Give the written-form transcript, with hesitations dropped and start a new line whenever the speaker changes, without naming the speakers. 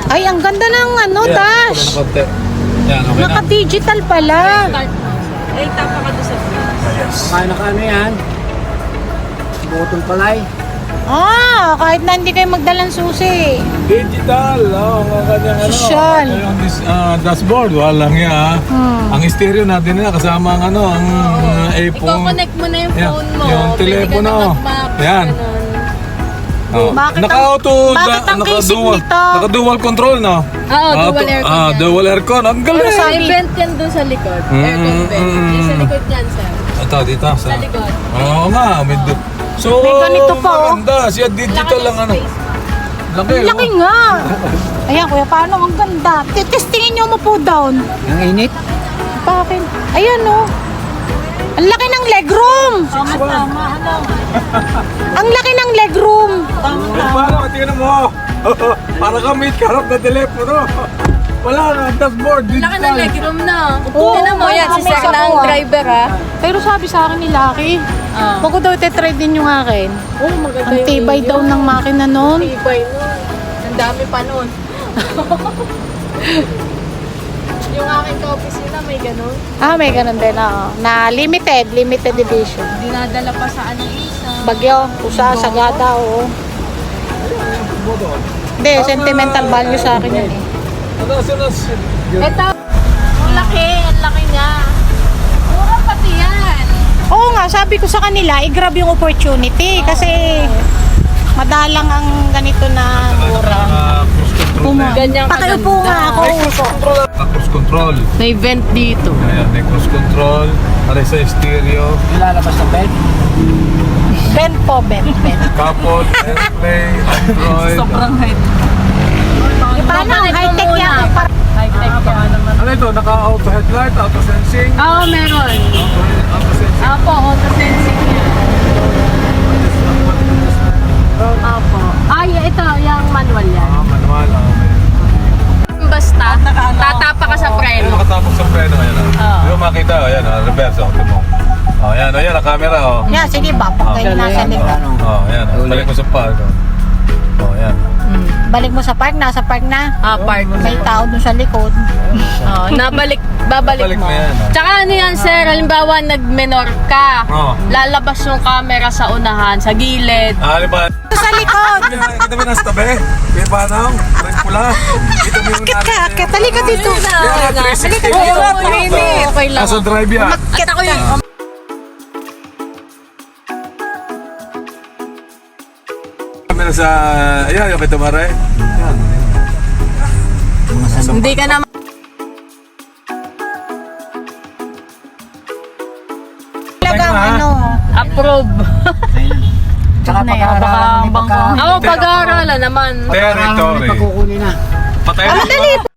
Ay, ang ganda ng ano, dash.
Yan, okay na.
Naka-digital pala.
Ay, tapa ka doon sa
Yes.
Kaya naka ano yan? Butong palay.
Ah, kahit na hindi kayo magdalang susi.
Digital. Ang kanyang ano.
Social.
Yung dashboard. Walang yan. Ang stereo natin na kasama ang ano, ang iPhone.
I-connect mo na yung
Yan,
phone mo.
yung telepono.
Pwede ka na mag-map.
Yan.
Ganun.
Oh.
Bakit
Naka-auto,
ang casing
naka-dual,
nito?
naka-dual control, no?
Oo, dual aircon yan.
Dual aircon. Ang galing.
Pero may vent yan doon sa likod. Aircon vent. Yung sa likod yan, sir.
Ito, dito.
Sa likod.
Oo nga. So,
May ganito pa, oh.
maganda. Siya digital lang ano. Laki,
Ang laki nga. Ayan, kuya, paano? Ang ganda. Testingin nyo mo po down.
Ang init.
Bakit? Ayan, oh. Ang laki ng legroom.
Tama, ano?
Ang laki ng legroom.
Parang, tingnan mo. Para ka may karap na telepono. Wala na, dashboard,
Laki
digital.
ng legroom na.
Oo,
Tignan mo yan, si
may
Sir na ang
sabaw, ah.
driver, ha?
Pero sabi sa akin ni Lucky,
Oo.
bago daw ite-trade din yung akin.
Oh, maganda
Ang tibay daw ng makina nun.
Tibay nun. Ang dami pa nun. Yung aking ka-opisina, may ganun.
Ah, may ganun din, oo. Na limited edition.
Dinadala pa sa anong isa.
Bagyo, usa, sagada, oo. Hindi, sentimental value sa akin yun eh.
Ito, ang laki niya. Mura pati yan.
Oo nga, sabi ko sa kanila, i-grab yung opportunity kasi madalang ang ganito na mura.
Cruise control na yan.
Ganyan
Pakiupo nga ako.
Cruise control.
May vent dito.
Ayan, may cruise control. Aray sa stereo.
Ilalabas ng bed.
Bend po, bend.
Couple, AirPlay, Android.
height.
Paano? High-tech yan.
High-tech yan.
Ano ito? Naka-auto headlight, auto sensing.
Oo, meron.
Auto sensing.
Apo, auto-sensing yan. Apo. Ay, ito, yung manual yan.
Manual.
Basta, tatapa ka sa
Ayun,
preno.
nakatapos sa preno. Ayan.
Oo.
Hindi mo makita. Ayan, reverse. Ito mo. Ayan, ayan, ang camera.
Yan, sige ba? Pag kayo nasa likod.
Ayan. Balik mo sa park. Ayan.
Balik mo sa park, nasa park na.
Park.
May tao dun sa likod.
Babalik
Babalik
mo.
mo yan,
Tsaka ano yan, sir, halimbawa nag-menor ka, lalabas yung camera sa unahan, sa gilid.
Ano ba?
Sa likod.
Kita mo nasa tabi? May panang? Red pula? Kita mo yung
Akit ka, akit. Halika dito.
Yan, 360
Oo,
dito.
okay lang.
Nasa drive yan.
Akit ako yun.
Camera sa... Ayan, yung kita mare. Yan.
Hindi ka na
Talagang ano.
approve.
Tsaka pag-aaralan.
Ako, pag-aaralan naman.
Territory.
Pagkukunin na.
Patay na.
Madali